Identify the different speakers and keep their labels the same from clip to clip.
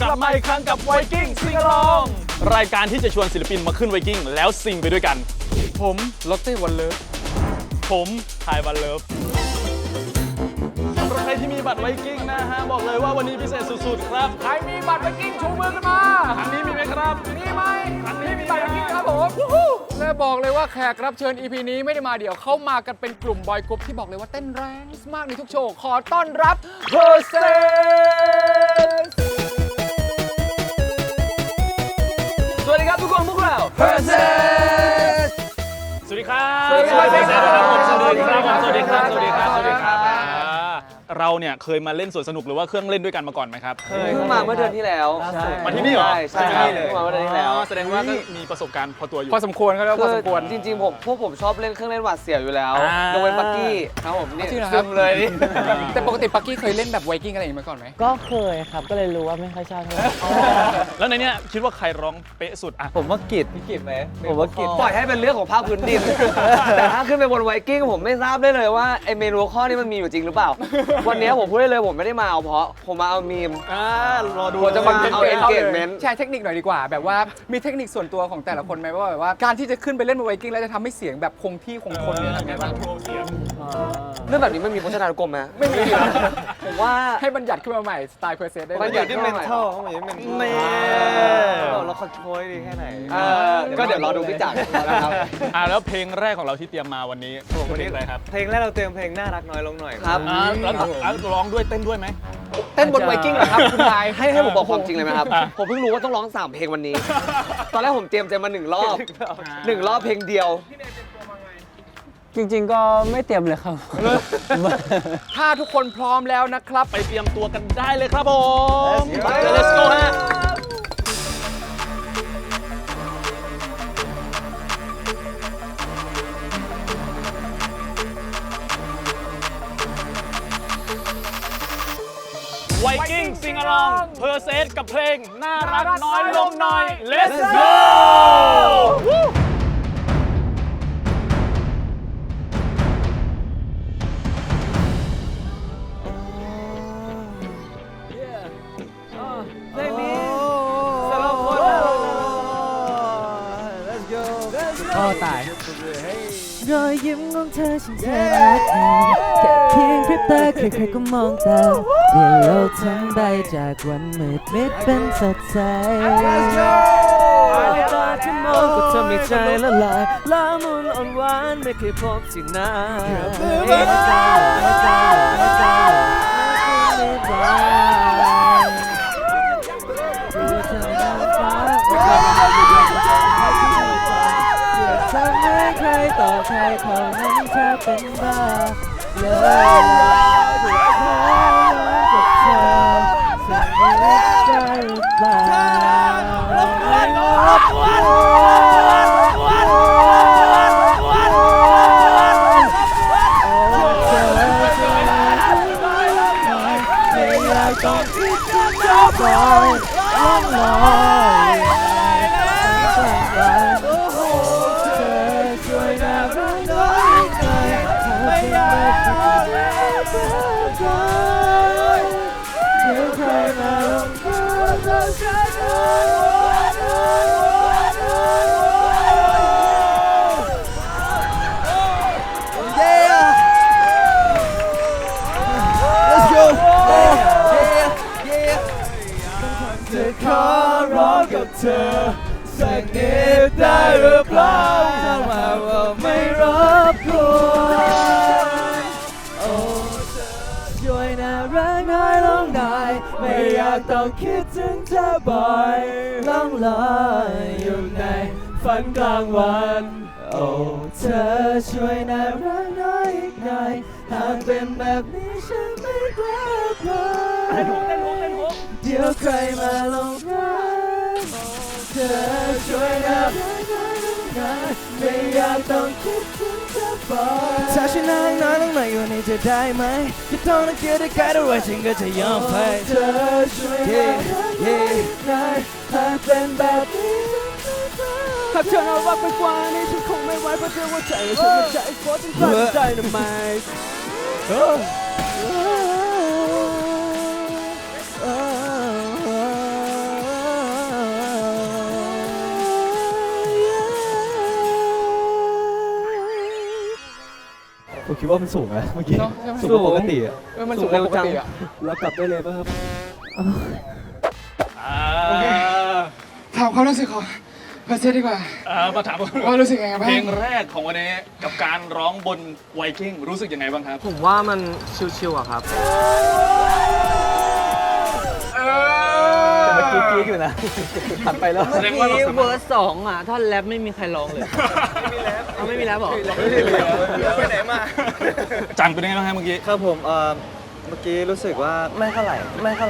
Speaker 1: กลับมาอีกครั้งกับไวกิ้งซิงอลองรายการที่จะชวนศิลปินมาขึ้นไวกิ้งแล้วซิงไปด้วยกันผมลอตเต้วันเลิฟผมทายวันเลิฟสำหรับใครที่มีบัตรไวกิ้งนะฮะบอกเลยว่าวันนี้พิเศษสุดๆครับใครมีบัตรไวกิ้งชูมือขึ้นมาอันนี้มีไหมครับมีไหมอันนี้มีบัตรไวกิ้งครับผมและบอกเลยว่าแขกรับเชิญ EP นี้ไม่ได้มาเดี่ยวเข้ามากันเป็นกลุ่มบอยกรุ๊ปที่บอกเลยว่าเต้นแรงมากในทุกโชว์ขอต้อนรับเพอร์เซนสวัสดีครับทุกคนพวกเราเพอร์เซนสวัสดีครับสวัสดีครับสวัสดีครับสวัสดีครับสวัสดีครับสวัสดีครับเราเนี่ยเคยมาเล่นสวนสนุกหรือว่าเครื่องเล่นด้วยกันมาก่อนไหมครับ
Speaker 2: เคยเพิ่งมาเมื่อเดือนที่แล้ว
Speaker 1: มาที่นี่เหรอ
Speaker 2: ใช่เพิ่งมาเมื่อเดือนที่แล้ว
Speaker 1: แสดงว่าก็มีประสบการณ์พอตัวอยู่
Speaker 3: พอสมควรเขาเรียกว่าพอสมควร
Speaker 2: จริงๆพวกผมชอบเล่นเครื่องเล่นหวาดเสียวอยู่แล้วยกเว้นปักกี้ครับผมนี่
Speaker 3: ซึมเลย แต่ปกติปักกี้เคยเล่นแบบไวกิ้งอะไรอย่างนี้มาก่อนไหม
Speaker 4: ก็เคยครับก็เลยรู้ว่าไม่ค่อยชอบเท่าไหร่
Speaker 1: แล้วในเนี้ยคิดว่าใครร้องเป๊ะสุดอ่ะ
Speaker 2: ผมว่ากิจพี่กิจไหมผมว่ากิจปล่อยให้เป็นเรื่องของภาคพื้นดินแต่ถ้าขึ้นไปบนไวกิ้งผมไม่ทราบได้เลยว่าไอเมนูข้อนี้มันมีอยู่จริงหรือเปล่าวันนี้ผมพูดได้เลยผมไม่ได้มาเอาเพราะผมมาเอามีม
Speaker 1: รอดู
Speaker 2: ผมจะมาเอาเอนเกจเมนต์
Speaker 3: แชร์เทคนิคหน่อยดีกว่าแบบว่ามีเทคนิคส่วนตัวของแต่ละคนไหมว่าแบบว่าการที่จะขึ้นไปเล่นบนไวกิ้งแล้วจะทำให้เสียงแบบคงที่คงทนเนี่ยทำไงบ้าง
Speaker 2: เรื่องแบบนี้ไม่มีพจนานุกรมไหมไม่มีผมว่า
Speaker 3: ให้บัญญัติขึ้นมาใหม่สไตล์เพอร์เซนได้
Speaker 2: บัญญัติที่เมนเทลเข้ามาเป็น
Speaker 1: นี่
Speaker 2: เราคอนโทรลดีแค่ไหนก็เดี๋ยวรอดูพี่จักรนะครับ
Speaker 1: แล้วเพลงแรกของเราที่เตรียมมาวันนี้เพลงอะไรครับ
Speaker 5: เพลงแรกเราเตรียมเพลงน่ารักน้อยลงหน่อย
Speaker 2: ครับ
Speaker 1: แล้วร้องด้วยเต้นด้วยไหม
Speaker 3: เต้นบนไวกิ้งเหรอครับคุณนาย
Speaker 2: ให้ผมบอกความจริงเลยไหมครับผมเพิ่งรู้ว่าต้องร้อง3เพลงวันนี้ตอนแรกผมเตรียมใจมา1 รอบ1 รอบเพลงเดียว
Speaker 4: จริงๆก็ไม่เตรียมเลยครับ
Speaker 3: ถ้าทุกคนพร้อมแล้วนะครับ
Speaker 1: ไปเตรียมตัวกันได้เลยครับผม Let's go ฮะไวกิ้งซิงอลองเพอร์เซสกับเพลงน่ารักน้อยลงหน่อย Let's go
Speaker 5: เพลงนี้สำหรับคนLet's go
Speaker 3: ตาย
Speaker 4: รอยยิ้มของเธอฉันเธอรักเธอแค่เพียงพริบตาใครๆก็มองตามเปลี่ยนโลกทั้งใบจากวันมืดมิดเป็นสดใสตาที่มองก็ทำให้ใจละลายละมุนอ่อนหวานไม่เคยพบที่ไหนหัวใจหัวใจหัวใจไม่ได้ทำให้ใครต่อใครเขานั้นเธอเป็นบ้าเลยถูกเธอกับเธอสิ่งนี้ได้หรือเปล่าไม่อยากต้องคิดจะปล่อยล่องลอยขอร้องกับเธอสักนิดได้หรือเปล่าถ้าว่าไม่รบกวนโอ้เธอช่วยน่ารักน้อยลงหน่อยไม่อยากต้องคิดถึงเธอบ่อยล่องลอยอยู่ในฝันกลางวันโอ้เธอช่วยน่ารักน้อยอีกหน่อยหากเป็นแบบนี้ฉันไม่กล้าพลาดเดี๋ยวใครมาลงรักเธอช่วยน่ารักน้อยลงหน่อยไม่อยากต้องคิดถึงเธอบ่อยถ้าฉันน่ารักน้อยลงหน่อยอยู่นี่จะได้ไหมจะต้องนักเกียรติใครด้วยฉันก็จะยอมไปเธอช่วยน่ารักน้อยหน่อยหากเป็นแบบนี้หากเธอน่ารักไปกว่านี้ฉันคงไม่ไหวเพราะเธอว่าใจฉันมันใจโคตรฉันพลาดใจทำไมคิดว่ามันสูงนะเมื่อกี้
Speaker 3: เนอะใช่ไหม
Speaker 4: สูงกว่าปกติอะ
Speaker 3: มันสูงกว่าปกติอ่ะ
Speaker 4: แล้วกลับได้เลยป่ะครับ
Speaker 3: ถามความรู้สึกของเพอร์เซดีกว่า
Speaker 1: มาถาม
Speaker 3: ว่ารู้สึกยังไงบ้าง
Speaker 1: เพลงแรกของวันนี้กับการร้องบนไวกิ้งรู้สึกยังไงบ้างครับ
Speaker 2: ผมว่ามันชิวๆอะครับ
Speaker 4: แต่เมื่อกี้กรี๊ดอยู่นะผ่านไปแล้ว
Speaker 1: แสดงว่าเราสามารถ
Speaker 2: เวอร์สองอ่ะท่อนแรปไม่มีใครร้องเลย ไม่มีแรปหรอ
Speaker 5: ไปไหนมา
Speaker 1: จังเป็นยังไงบ้างครับเมื่อกี้
Speaker 5: ครับผมเมื่อกี้รู้สึกว่าไม่เท่าไหร่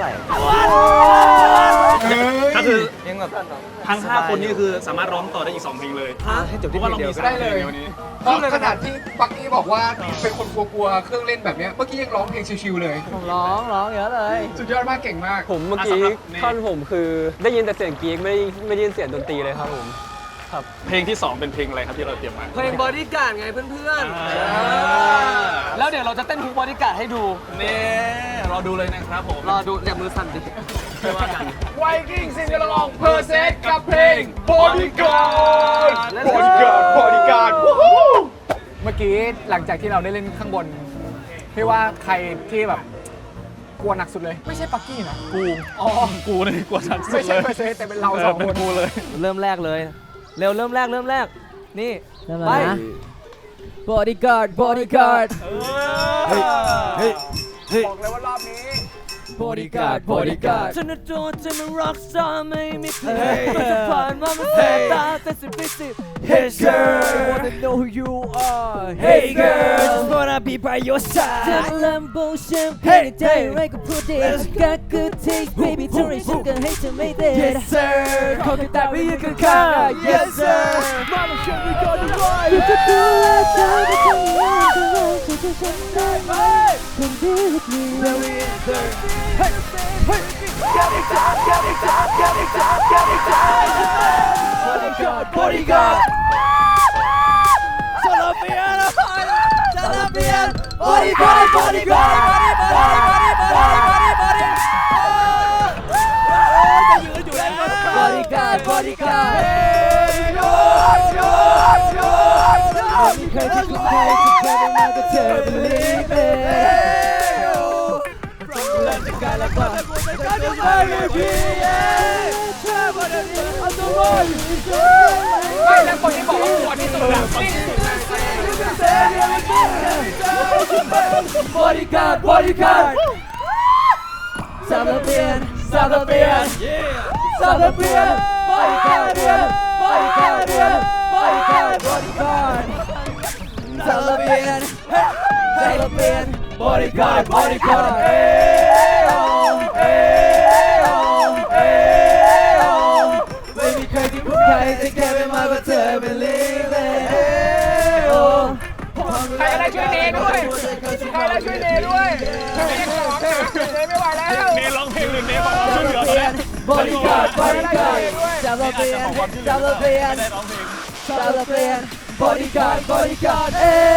Speaker 1: ก็คือ
Speaker 5: ยังแบบ
Speaker 1: ทั้ง 5 คนนี่คือสามารถร้องต่อได้อีก 2 เพลงเลย
Speaker 5: ให้จบ
Speaker 1: เพ
Speaker 5: ที่
Speaker 1: ราะ
Speaker 5: เพ
Speaker 1: ว่า
Speaker 5: ล
Speaker 1: เรา
Speaker 5: งเดียว
Speaker 1: มี
Speaker 5: ก็
Speaker 1: 3
Speaker 5: ได้
Speaker 1: เพล
Speaker 5: เล
Speaker 1: ง
Speaker 5: ย
Speaker 1: ในวันนี้
Speaker 3: เพราะขนาดที่ปักกี้บอกว่าเป็นคนกลัวๆเครื่องเล่นแบบเนี้ยเมื่อกี้ยังร้องเพลงชิวๆเลย
Speaker 2: ผมร้องเยอะเลย
Speaker 3: สุดยอดมากเก่งมาก
Speaker 2: ผมเมื่อกี้ท่อนผมคือได้ยินแต่เสียงกรี๊ดไม่ได้ยินเสียงดนตรีเลยครับผม
Speaker 1: เพลงที่ 2 เป็นเพลงอะไรครับที่เราเตรียมมา
Speaker 2: เพลงบอดี้การ์ดไงเพื่อน
Speaker 1: ๆ
Speaker 2: แล้วเดี๋ยวเราจะเต้นทุกบอดี้การ์ดให้ดู
Speaker 1: นี่รอดูเลยนะครับผม
Speaker 2: รอดูอย่ามือสั่นดิไม่ว่ากัน
Speaker 3: ไวกิ้งซิงเกิลลองเพอร์เซสกับเพลง Bodyguard Bodyguard เมื่อกี้หลังจากที่เราได้เล่นข้างบนพี่ว่าใครที่แบบกลัวหนักสุดเลย ไม่ใช่ปักกี้นะ
Speaker 1: กูนี่กลัวชันสุ
Speaker 3: ไม่
Speaker 1: ด
Speaker 3: ใช่
Speaker 1: เลย
Speaker 3: เพอร์เซสแต่เป็นเราสองคน
Speaker 1: กูเลย
Speaker 2: เริ่มแรกเลย เร็วเริ่มแรกนี่
Speaker 4: ไป bodyguard bodyguard เฮ้ยเฮ้ยเฮ้ย
Speaker 3: บอกเลยว่ารอบนี้
Speaker 4: bodyguard bodyguard
Speaker 2: ฉันน่ะโจรฉันน่ะ rock star ไม่มีเพื่อ
Speaker 4: เฮ้
Speaker 2: น
Speaker 4: ย
Speaker 2: มันจะผ่านมามันแสบตาแต่สิบวิสิบ
Speaker 4: Hey girl wanna know who you are Hey girl just wanna be by your
Speaker 2: เธอ
Speaker 4: side
Speaker 2: Lambo champagne
Speaker 4: Hey,
Speaker 2: ใจ
Speaker 4: hey.
Speaker 2: ไรก็พูดเด็ดก็คือ taste baby เท่าไรฉันก็ให้เธอไม่เด็ด
Speaker 4: Yes sir ขอแค่แต่ไม่ยืนข้างๆ Yes sir Mama show me go to right
Speaker 2: อยู่ก็ดูแลเธอไม่ต้องมีอะไรก็รักเธอฉันได้ไหมคนดีwith me
Speaker 4: Very answer Hey hey Get it down get it down get it down get it down Bodyguard bodyguard Salafian Salafian Bodyguard bodyguard Bodyguard bodyguard ไม่มีใครที่คุณใครที่เคยได้มาก็เธอ believe it และจะกลายและก็
Speaker 3: ไม่แล้วคนที่บอกว่ากลัวที่สุดอะนี่
Speaker 4: Bodyguard bodyguard Salafian Salafian Salafian Bodyguard Bodyguard Bodyguard Bodyguard Salafian Salafian Bodyguard Bodyguardไม่มีใครที่คุ้นใครจะแค่ไม่มากกว่าเธอ believe it
Speaker 3: ใครอะไรช่วยเนด้วยใครอะไรช่วยเนด้วยเนร้องนะเนไม่ไหวแล้ว
Speaker 1: เนร้องเพลงหรือเนบอกว่าช่วยเหลือตอนนี้
Speaker 4: Bodyguard Bodyguard Salafian Salafian
Speaker 1: ได้ร้องเพลง
Speaker 4: Salafian Bodyguard Bodyguard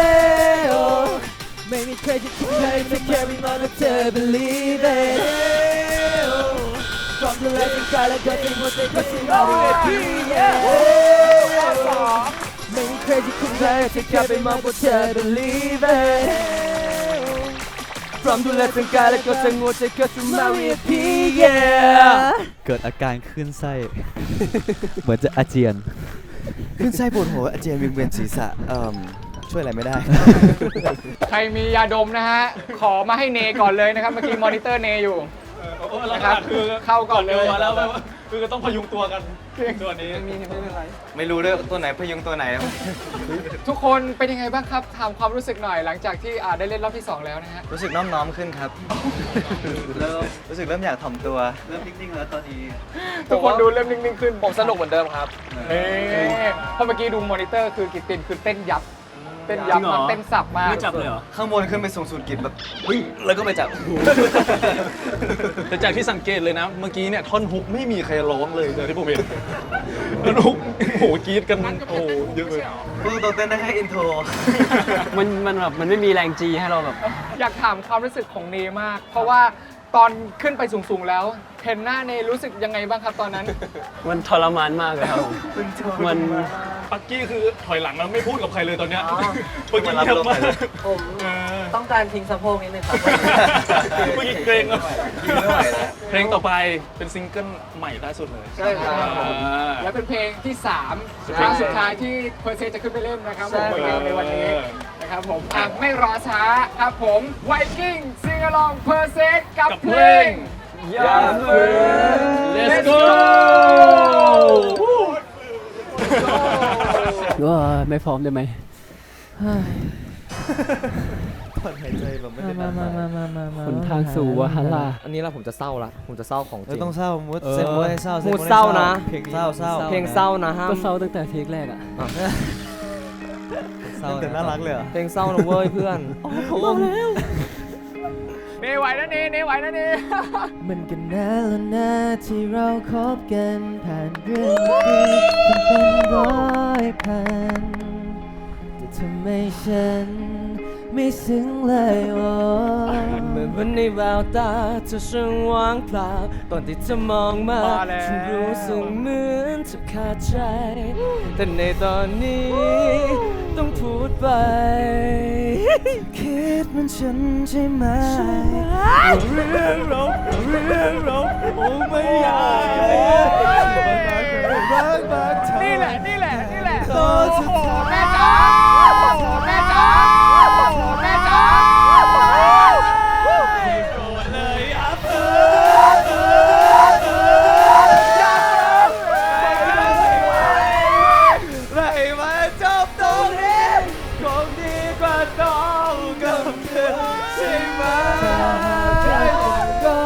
Speaker 4: ไม่มีใครจะคิดใครจะแค่ไม่มากกว่าเธอ believe it ความดูแลเป็นกายและก็เป็นหัวใจก็สิ่งเราเรียกพี่ไม่มีใครที่คุ้นเคยจะแค่ไปมากกว่าเธอ believe it พร้อมดูแลทั้งกายและก็ทั้งหัวใจก็สิ่งเราเรียกพี่
Speaker 6: เกิดอาการคลื่นไส้ เหมือนจะอาเจียน
Speaker 5: ขึ้นไส้ปวดหัวอาเจียนวิงเวียนศีรษะช่วยอะไรไม่ได้
Speaker 3: ใครมียาดมนะฮะขอมาให้เนก่อนเลยนะครับเมื่อกี้มอนิเตอร์เนอยู่
Speaker 1: นะครับคือ
Speaker 3: เข้าก่อนเลย
Speaker 1: มาแล้วคือต้องพยุงตัวกันตัวนี้
Speaker 5: ไม่รู้ด้วยตัวไหนพยุงตัวไหน
Speaker 3: ทุกคนเป็นยังไงบ้างครับถามความรู้สึกหน่อยหลังจากที่ได้เล่นรอบที่ 2 แล้วนะฮะ
Speaker 5: รู้สึกน้อมน้อมขึ้นครับรู้สึกเริ่มอยากถ่อมตัว เริ่มนิ่งๆแล้วตอนนี้
Speaker 3: ทุกคนดูเริ่มนิ่งๆขึ้น
Speaker 2: ผมสนุกเหมือนเดิมครับ
Speaker 3: เพราะเมื่อกี้ดูมอนิเตอร์คือกิตตินคือเต้นยับมากเต้นสับมาก
Speaker 1: ไม่จับเลยเหรอ
Speaker 5: ข้างบนขึ้นไปสูงสุดกิจแบบแล้วก็ไปจับ
Speaker 1: แต่จากที่สังเกตเลยนะ เมื่อกี้เนี่ยท่อนฮุกไม่มีใครร้องเลยที่ผมเห็นท่อนฮุกโอ้โหกรี๊ดกันโอ้โหเยอะเลย
Speaker 5: พูดตรงๆเต้นได้แค่อินโทร
Speaker 2: มันแบบมันไม่มีแรงจีให้เราแบบ
Speaker 3: อยากถามความรู้สึกของเนมาก เพราะว่าตอนขึ้นไปสูงๆแล้วเห็นหน้าเนรู้สึกยังไงบ้างครับตอนนั้น
Speaker 2: มันทรมานมากเลยครับผมมัน
Speaker 1: ปักกี้คือถอยหลังแล้วไม่พูดกับใครเลยตอนเนี้ยเมื่อกี้เงียบมาก
Speaker 2: ผม
Speaker 1: เออ
Speaker 2: ต้องการทิ้งสะโพกนิดนึงครับ
Speaker 1: เมื่อกี้เกรงแล้ว
Speaker 5: ไม่ไหวแล้ว
Speaker 1: เพลงต่อไปเป็นซิงเกิลใหม่ล่าสุดเลย
Speaker 2: ใช่ครับ
Speaker 3: และเป็นเพลงที่3ครั้งสุดท้ายที่เพอร์เซจะขึ้นไปเล่นนะครับผมในวันนี้นะครับผมไม่รอช้าครับผมไวกิ้งซิงอลองเพอร์เซกับเพลง
Speaker 2: อย่าฝืน
Speaker 1: Let's go
Speaker 4: ว่าไม่พร้อมได้ไหม
Speaker 6: ถอนหายใจแบบไม่ได้นาน
Speaker 4: หนทางสู่วาฮารา
Speaker 2: อันนี้ละผมจะเศร้าละผมจะเศร้าของจริง
Speaker 6: ต้องเศร้ามูดเซนมูดให้เศร้า
Speaker 2: มูดเศร้านะ
Speaker 6: เพลงเศร้าเศร้า
Speaker 2: เพลงเศร้านะห้าม
Speaker 4: ก็เศร้าตั้งแต่เทคแรกอ่ะ
Speaker 6: เศร้าแต่น่ารักเลยเหรอ
Speaker 2: เพลงเศร้านะเว้ยเพื่อน
Speaker 3: เนไหวนะเนไหวนะเน
Speaker 4: มันก็นานแล้วนะที่เราคบกันผ่านเรื่องดีเป็น100,000แต่ทำไมฉันไม่ซึ้งเลยโอ้เหมือนวันในแววตาเธอช่างว่างเปล่าตอนที่เธอมองมาฉันรู้สึกเหมือนจะขาดใจ แต่ในตอนนี้ต้องพูดไป คิดมันฉันใช่ไหมเรื่องเราโอ้ไม่อยาก
Speaker 3: นี่แหละ
Speaker 4: ตอนสุดท้าย
Speaker 3: แม่จ๋าแม่จ๋าแม่จ๋า
Speaker 4: ไม่มาจบตรงนี้คงดีกว่าต้องกับเธอใช่ไหมใจก็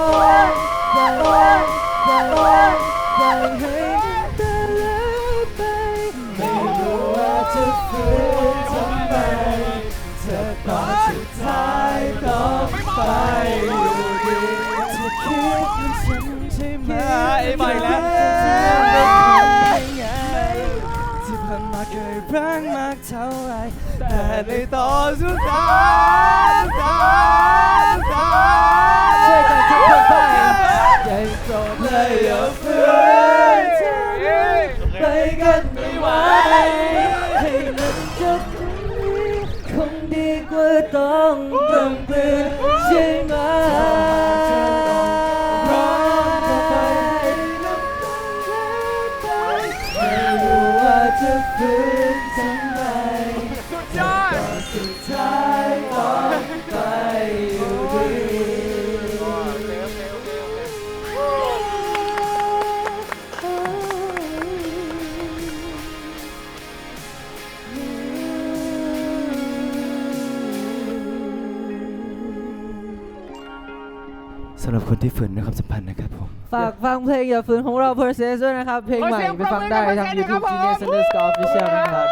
Speaker 4: ให้แต่แล้วไปไม่รู้ว่าจะฝืนทำไมเธอตอนสุดท้ายต้องไปอยู่ดีจะคิดมันฉันใช่ไหมไปแล้วที่ผ่านมาเคยรักมากเท่าไรแต่ในตอนสุดท้ายช่วยกันทุกคนไปอย่าโกรธเลยอย่าฝืนไปกันไม่ไหวให้มันจบตรงนี้คงดีกว่าต้องกำปืนใช่ไหมร้องไปไม่รู้ว่าจะฝืนทำไม
Speaker 3: สุดยอด
Speaker 4: สุดท้ายต้องไปอยู่ดี
Speaker 6: สำหรับคนที่ฝืนในความสัมพันธ์นะครับผม
Speaker 4: ฝากฟังเพลงอย่าฝืนของเรา Perses ด้วยนะครับ เพลงใหม่ไปฟังได้ทาง YouTube Genius Underscore Official นะครับ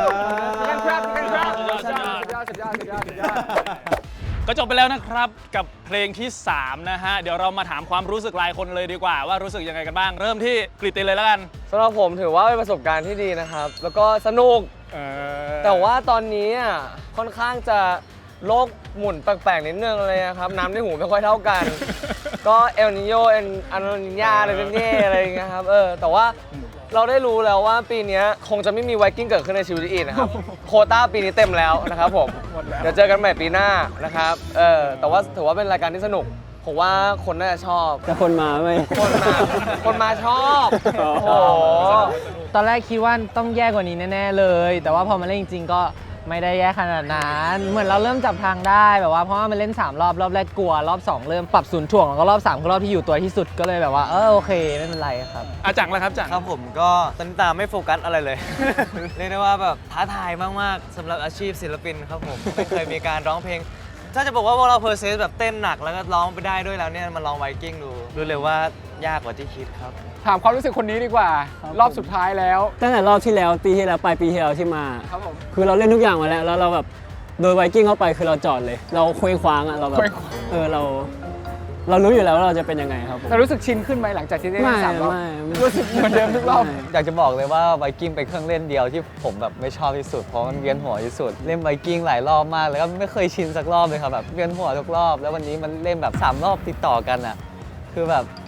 Speaker 1: ก็จบไปแล้วนะครับกับเพลงที่ 3 นะฮะ เดี๋ยวเรามาถามความรู้สึกรายคนเลยดีกว่าว่ารู้สึกยังไงกันบ้าง เริ่มที่กฤติเลยแล้วกัน
Speaker 2: สำหรับผมถือว่าเป็นประสบการณ์ที่ดีนะครับ แล้วก็สนุก แต่ว่าตอนนี้อ่ะค่อนข้างจะโลกหมุนแปลกๆนิดนึงเลยนะครับ น้ำในหูไม่ค่อยเท่ากัน ก็เอลนิโยอันนิญาอะไรเป็นเย่อะไรอย่างเงี้ยครับแต่ว่าเราได้รู้แล้วว่าปีนี้คงจะไม่มีไวกิ้งเกิดขึ้นในชีวิตอีกนะครับ โควต้าปีนี้เต็มแล้วนะครับผมเดี๋ยวเจอกันใหม่ปีหน้านะครับแต่ว่าถือว่าเป็นรายการที่สนุกผมว่าคนน่าจะชอบ
Speaker 4: แต่คนมาไม่
Speaker 2: คนมาชอบโอ้โห
Speaker 7: ตอนแรกคิดว่าต้องแย่กว่านี้แน่ๆเลย แต่ว่าพอมาเล่นจริงๆก็ไม่ได้แย่ขนาดนั้น เหมือนเราเริ่มจับทางได้แบบว่าเพราะว่ามันเล่น3รอบรอบแรกกลัวรอบ2เริ่มปรับศูนย์ถ่วงแล้วก็รอบ3คือรอบที่อยู่ตัวที่สุดก็เลยแบบว่าโอเคไม่เป็นไรครับ
Speaker 1: อาจังแล้วครับจัง
Speaker 5: ครับผมก็ตอนนี้ตามไม่โฟกัสอะไรเลย เรียกได้ว่าแบบท้าทายมากๆสำหรับอาชีพศิลปินครับผมไม่เคยมีการร้องเพลง ถ้าจะบอกว่าพวกเราเพอร์เซสแบบเต้นหนักแล้วก็ร้องไปได้ด้วยแล้วเนี่ยมาลองไวกิ้งดูรู้เลยว่ายากกว่าที่คิดครับ
Speaker 3: ถามความรู้สึกคนนี้ดีกว่า รอบสุดท้ายแล้ว
Speaker 8: ตั้งแต่รอบที่แล้วปีที่แล้วปลายปีที่แล้วที่มา
Speaker 3: ครับผม
Speaker 8: คือเราเล่นทุกอย่างมาแล้วแล้วเราแบบโดยไวกิ้งเข้าไปคือเราจอดเลย เราเคว้งคว้างอ่ะเราแบบ
Speaker 3: เคว้งคว้าง
Speaker 8: เรารู้อยู่แล้วว่าเราจะเป็นยังไงครับผม
Speaker 3: แต่รู้สึกชินขึ้นไหมหลังจากที่ได้เล่น3รอบ
Speaker 8: ไม่
Speaker 3: รู้สึกเหมือนเดิมทุกรอบ
Speaker 5: อยากจะบอกเลยว่าไวกิ้งเป็นเครื่องเล่นเดียวที่ผมแบบไม่ชอบที่สุดเพราะมันเวียนหัวที่สุดเล่นไวกิ้งหลายรอบมากแล้วก็ไม่เคยชินสักรอบเลยครับแบบเวียนหัวทุกรอบแล้ววันนี้มันเล่นแบบ3รอบติดต่อกันอ่ะคือแบบ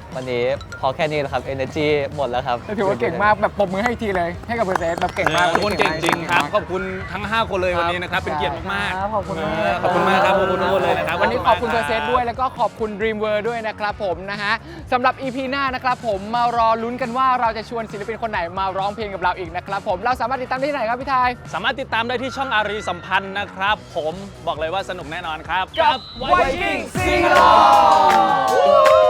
Speaker 5: วันนี้พอแค่นี้แหละครับ energy หมดแล้วครับ
Speaker 3: ถือว่าเก่งมากแบบปรบมือให้อีกทีเลยให้กับเพอร์เซสแบบเก่งมาก
Speaker 1: ทุกคนเก่งจริงครับ ขอบคุณทั้ง 5 คนเลยวันนี้นะครับ เป็นเกียรติมาก
Speaker 7: ขอบคุณมาก
Speaker 1: ขอบคุณมากครับ ขอบคุณทุกคนเลยนะครับ
Speaker 3: วันนี้ขอบคุณเพอร์เซสด้วยแล้วก็ขอบคุณ Dream World ด้วยนะครับผมนะฮะสำหรับ EP หน้านะครับผมมารอลุ้นกันว่าเราจะชวนศิลปินคนไหนมาร้องเพลงกับเราอีกนะครับผมเราสามารถติดตามได้ที่ไหนครับพี่ทาย
Speaker 1: สามารถติดตามได้ที่ช่องอารีสัมพันธ์นะครับ ผมบอกเลยว่าสนุกแน่นอนครับ
Speaker 3: กับ Viking Sing Along